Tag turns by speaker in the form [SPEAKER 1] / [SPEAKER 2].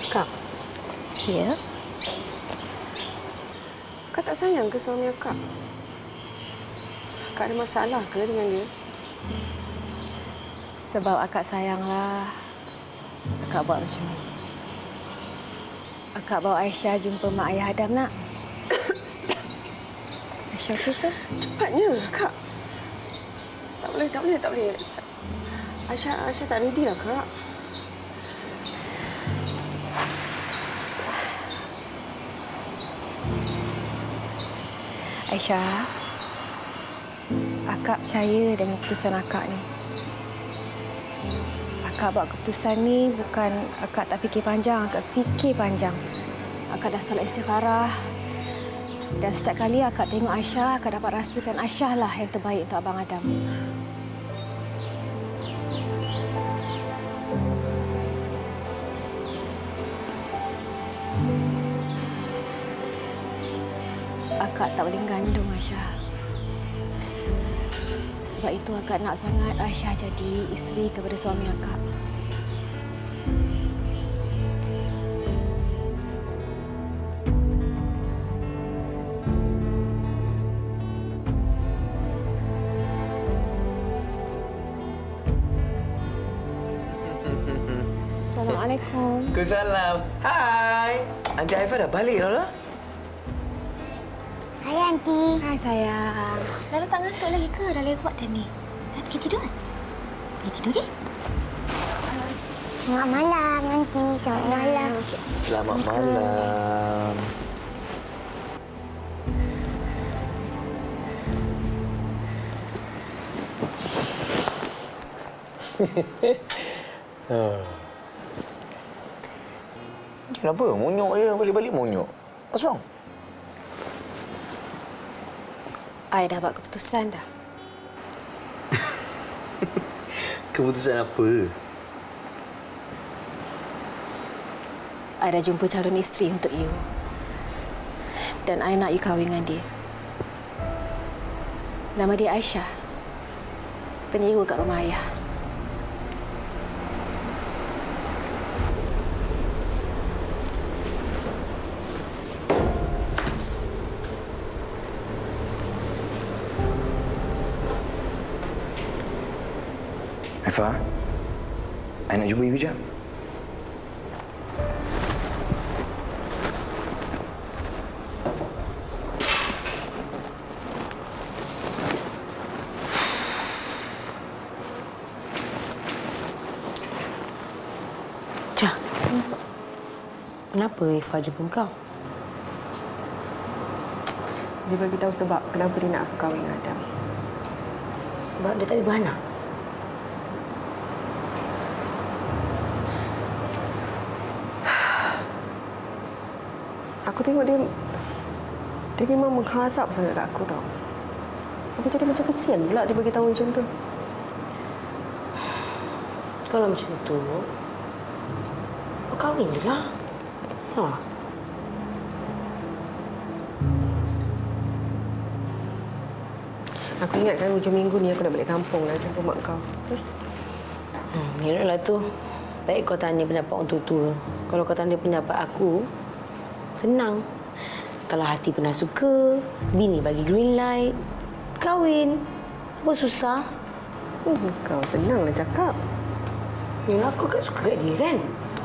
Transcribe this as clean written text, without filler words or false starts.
[SPEAKER 1] Kak,
[SPEAKER 2] Ya?
[SPEAKER 1] Kak tak sayang ke suami Kak? Kak ada masalah ke dengan dia?
[SPEAKER 2] Sebab akak sayanglah akak buat macam ni. Akak bawa Aisyah jumpa mak ayah Adam, nak. Aisyah okey ke?
[SPEAKER 1] Cepatnya, Kak. Tak boleh. Aisyah tak ready lah, Kak.
[SPEAKER 2] Aisyah, akak percaya dengan keputusan akak ni. Akak buat keputusan ni bukan akak tak fikir panjang, akak fikir panjang. Akak dah solat istikharah. Dan setiap kali akak tengok Aisyah, akak dapat rasakan Aisyah lah yang terbaik untuk Abang Adam. Akak tak boleh gandung Aisyah. Sebab itu akak nak sangat Aisyah jadi isteri kepada suami akak. Assalamualaikum.
[SPEAKER 3] Waalaikumsalam. Hai. Aunty Aifah dah balik dah.
[SPEAKER 4] Hai, Aunty.
[SPEAKER 2] Hai sayang. Dah tak ngantuk lagi ke? Dah lewat dah ni. Pergi tidur kan? Pergi tidur ke?
[SPEAKER 4] Selamat malam, Aunty. Selamat malam.
[SPEAKER 3] Selamat malam. Kenapa? Monyok je. Balik-balik monyok. What's wrong?
[SPEAKER 2] I dah buat keputusan dah.
[SPEAKER 3] Keputusan apa?
[SPEAKER 2] I dah jumpa calon isteri untuk you. Dan I nak you kahwin dengan dia. Nama dia Aisyah. Penyewa kat rumah ayah.
[SPEAKER 3] Aifah, I nak jumpa you kejap.
[SPEAKER 5] Cah, kenapa Ifah jumpa kau?
[SPEAKER 1] Dia bagi tahu sebab kenapa dia nak aku kahwin dengan Adam.
[SPEAKER 5] Sebab dia tak ada beranak.
[SPEAKER 1] Aku tengok dia memang mengharap sangat kat aku tau. Aku jadi macam kesian pula dia bagi tahu macam tu.
[SPEAKER 5] Kalau macam tu, kau kahwin je lah. Ha.
[SPEAKER 1] Aku ingatkan hujung minggu ni aku nak balik kampung lah jumpa mak kau.
[SPEAKER 5] Yalah tu. Baik kau tanya pendapat orang tua-tua. Kalau kau tanya pendapat aku, senang. Kalau hati pernah suka, bini bagi green light, kahwin. Apa susah?
[SPEAKER 1] Kau senanglah cakap.
[SPEAKER 5] Yalah, aku kan suka kat dia kan?